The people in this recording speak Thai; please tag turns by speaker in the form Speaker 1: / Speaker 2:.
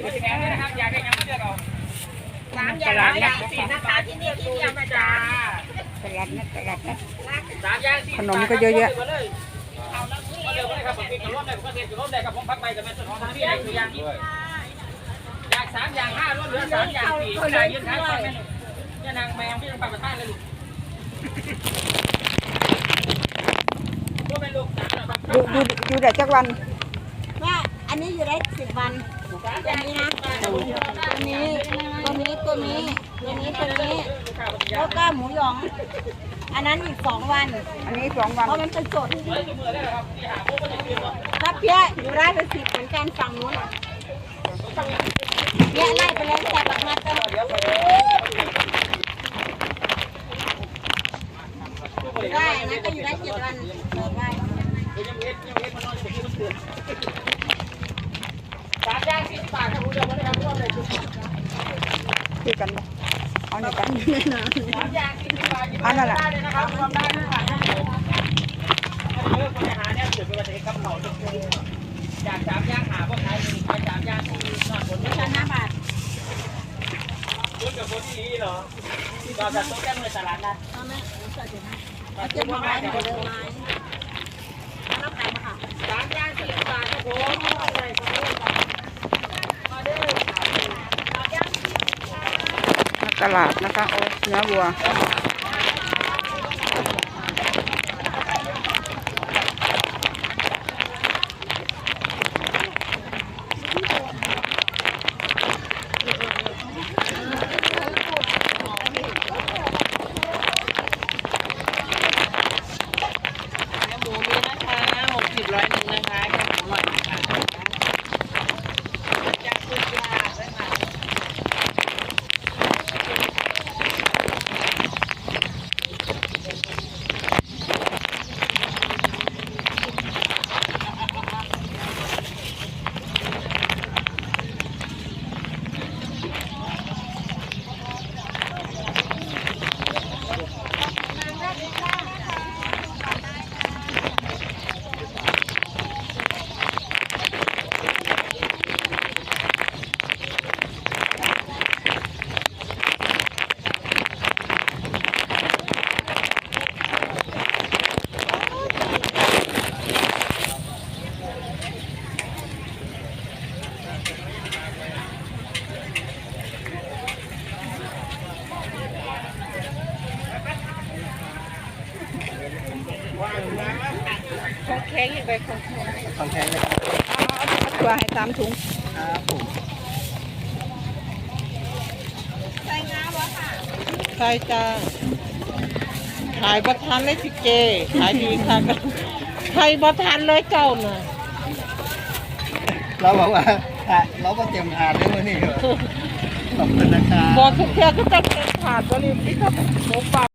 Speaker 1: แถมด้วยนะครับอยากได้ยังเลือกเอา
Speaker 2: 3 อย่าง4นะคะที่นี่ที่เดียวนะจ๊ะ
Speaker 3: ตลาดนะตลาดนะ
Speaker 1: 3 อย่าง
Speaker 3: ขนมก็เยอะแยะ
Speaker 1: เร็วเลยครับผมกินกับรถได้ผมก็เทกับรถได้ครับผมพักไปกับแม่ส่วนของทางพี่ได้ตัวอย่างอยาก3 อย่าง 5รถเหลือ3 อย่าง 4ก็ได้ยืนท้ายฟังแม่นี่นางแมวที่ต้องปรับประทานเลยลูก
Speaker 3: อยู่ได้จักวัน
Speaker 2: ว่าอันนี้อยู่ได้10 วันอันนี้นะตัวนี้แล้วก็หมูหยองอันนั้นอีก2 วัน
Speaker 3: อันนี้2 วัน
Speaker 2: เพราะมันเป็นสดถ้าเพี้ยอยู่ได้เป็น10เหมือนกันฝั่งนู้นเนี่ยไล่ไปเลยแต่บักมาเตอร์ได้นะก็อยู่ได้7 วันเปิดได้
Speaker 1: 3 อย่าง 40 บาทครับคุณเดียวนะครับร่วมเลย
Speaker 3: คือกันเอาในกัน
Speaker 1: 3 อย่าง 40 บาทอันนั้นแหละได้เลยนะครับรวมได้ทุกบาทครับผมเลิกปัญหาเนี่ยเกิดเป็นประเด็นกับเขาจาก3 อย่างหาพวกไทยมี3 อย่างที่นอนบนนี้
Speaker 2: 5 บาท
Speaker 1: คุณกับคนที่นี่เหรอเราจะต้องแก้มือตลาดนัด
Speaker 2: เก็บมาไว้เดี๋ยวเดินไม้รับขายมาค่ะ
Speaker 1: 3 อย่าง 40 บาทครับผม
Speaker 3: ตลาดนะคะโอ้เนื้อวัว
Speaker 2: ของแข็งอย่างไรของแข็ง
Speaker 3: เลยเอาตัวให้3 ถุง
Speaker 2: ครับผมใส่งาวะค่ะ
Speaker 4: ใช่จ้าขายบัทันเลยพี่เจขายดีค่ะใครบัทันเลยเจ้าน่ะ
Speaker 5: เราบอกว่าเราก็เตรียมทานได้เมื่อนี่เหรอขอบคุณนะครับ
Speaker 4: บอกทุกเที่ยวก็จะเต็มถาดบริษัทหมูป่า